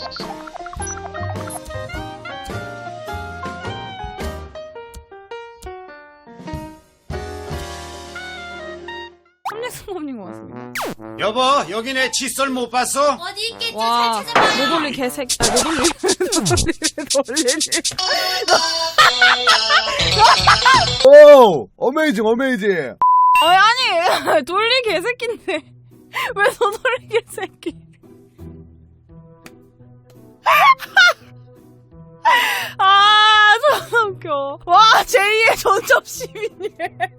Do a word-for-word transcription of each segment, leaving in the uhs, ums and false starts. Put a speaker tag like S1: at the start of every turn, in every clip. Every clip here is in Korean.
S1: 삼렉스모님 고맙습니다.
S2: 여보, 여기 내 칫솔 못 봤어?
S3: 어디 있겠죠?
S1: 와,
S3: 잘 찾아봐요.
S1: 노돌리 개새끼. 아, 노돌리. 노돌리.
S4: 오! 어메이징, 어메이징!
S1: 아니, 아니, 돌리 개새끼인데. 왜 노돌리 개새끼? 아, 존나 웃겨. 와, 제이의 전접 시민이래.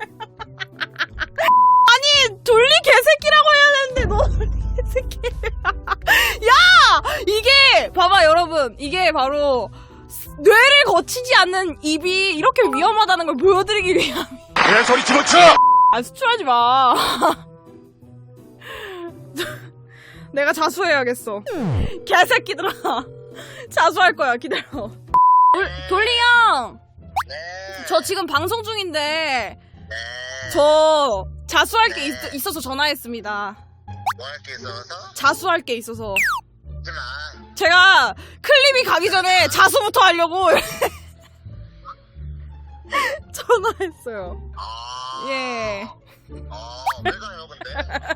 S1: 아니, 돌리 개새끼라고 해야 되는데, 노돌리 개새끼. 야! 이게, 봐봐, 여러분. 이게 바로, 뇌를 거치지 않는 입이 이렇게 위험하다는 걸 보여드리기 위함.
S2: 내 소리 집어쳐!
S1: 아, 수출하지 마. 내가 자수해야겠어. 개새끼들아. 자수할 거야, 기다려. 돌, 돌리 형!
S5: 네.
S1: 저 지금 방송 중인데,
S5: 네.
S1: 저 자수할 게 있, 있어서 전화했습니다.
S5: 뭐 할 게 있어서?
S1: 자수할 게 있어서.
S5: 하지 마.
S1: 제가 클립이 가기 전에 자수부터 하려고 전화했어요.
S5: 아.
S1: 예.
S5: 어, 왜 가요, 근데?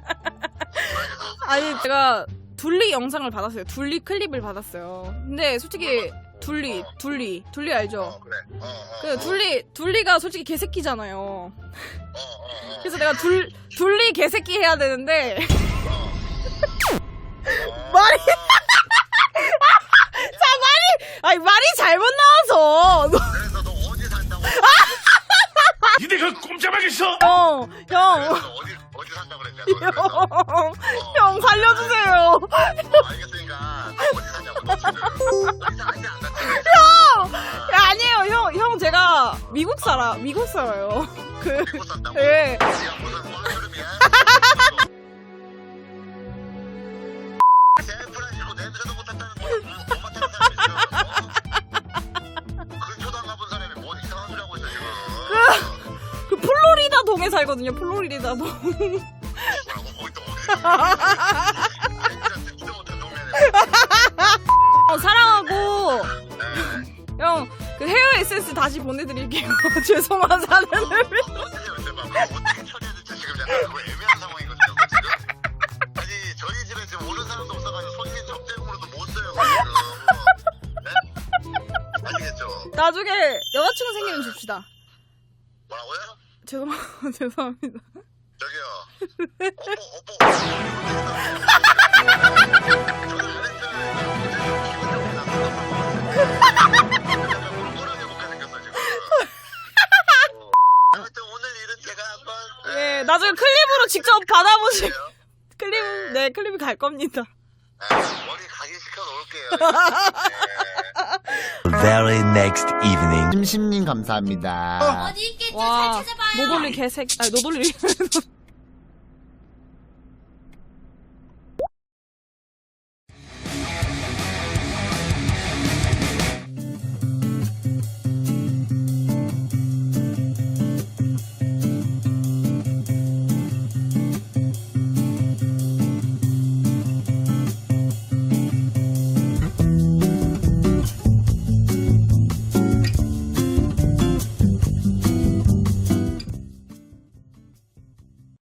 S1: 아니, 제가 둘리 영상을 받았어요. 둘리 클립을 받았어요. 근데 솔직히 둘리, 둘리, 둘리 알죠?
S5: 어, 그래. 어, 어.
S1: 그 둘리, 둘리가 솔직히 개새끼잖아요.
S5: 어, 어, 어.
S1: 그래서 내가 둘, 둘리 개새끼 해야 되는데
S5: 어.
S1: 말이 자 말이 아니 말이 잘못 나와서
S5: 그래서 너 어디 산다고?
S2: 니네 그 꼼짝하겠어?
S1: 형, 형,
S5: 그래서 어디, 어디 산다고 그랬냐, 너
S1: 형,
S5: 그래서. 어.
S1: 형 살려주세요.
S5: 어, 알겠으니까. 너 어디 사냐고, 너 지금. 어디 사는지 안 갔지?
S1: 형, 야, 아니에요, 형, 형 제가 미국 살아, 미국 살아요. 그,
S5: 미국 산다고?
S1: 예.
S5: 지금 무슨 꼴그룹이야? 샌프란시스코 냄새도 못한다는 거야. 못 맡는 사람이 지금. 어? 근처도 안 가본 사람이 뭔 이상한 소리 하고 있어, 지금.
S1: 그 플로리다 동에 살거든요, 플로리다 동.
S5: 뭐라고? 거기 또 어디? 진짜 못한 동네네.
S1: 어, 사랑하고,
S5: 네.
S1: 형, 그 헤어 에센스 다시 보내드릴게요. 죄송한 사연을.
S5: 어떻게 어떻게 봐. 어떻게 처리해야 될지 지금 약간 그거 애매한 상황이거든요, 그거 지금. 아니, 저희 집에 지금 오는 사람도 없어가지고 손님 접대용으로도 못 써요, 그거 지금. 네? 아시겠죠?
S1: 나중에 여자친구 생기면 줍시다.
S5: 뭐라고요?
S1: 죄송, 죄송합니다.
S5: 저기요. 오빠, 오빠. 저는 안 했어요. 기분 좋게 나서 꼴하게 못가 생겼어, 지금. 아무튼 오늘 일은 제가 한번.
S1: 예, 나중에 클립으로 직접 받아보시,
S5: 요
S1: 클립, 네, 클립이 갈 겁니다.
S5: 머리 각인시켜 놓을게요.
S6: Very next evening.
S4: 심심님 감사합니다.
S3: 어디 있겠죠?
S1: 와,
S3: 잘 찾아봐요.
S1: 노돌리 개새끼, 아니, 노돌리.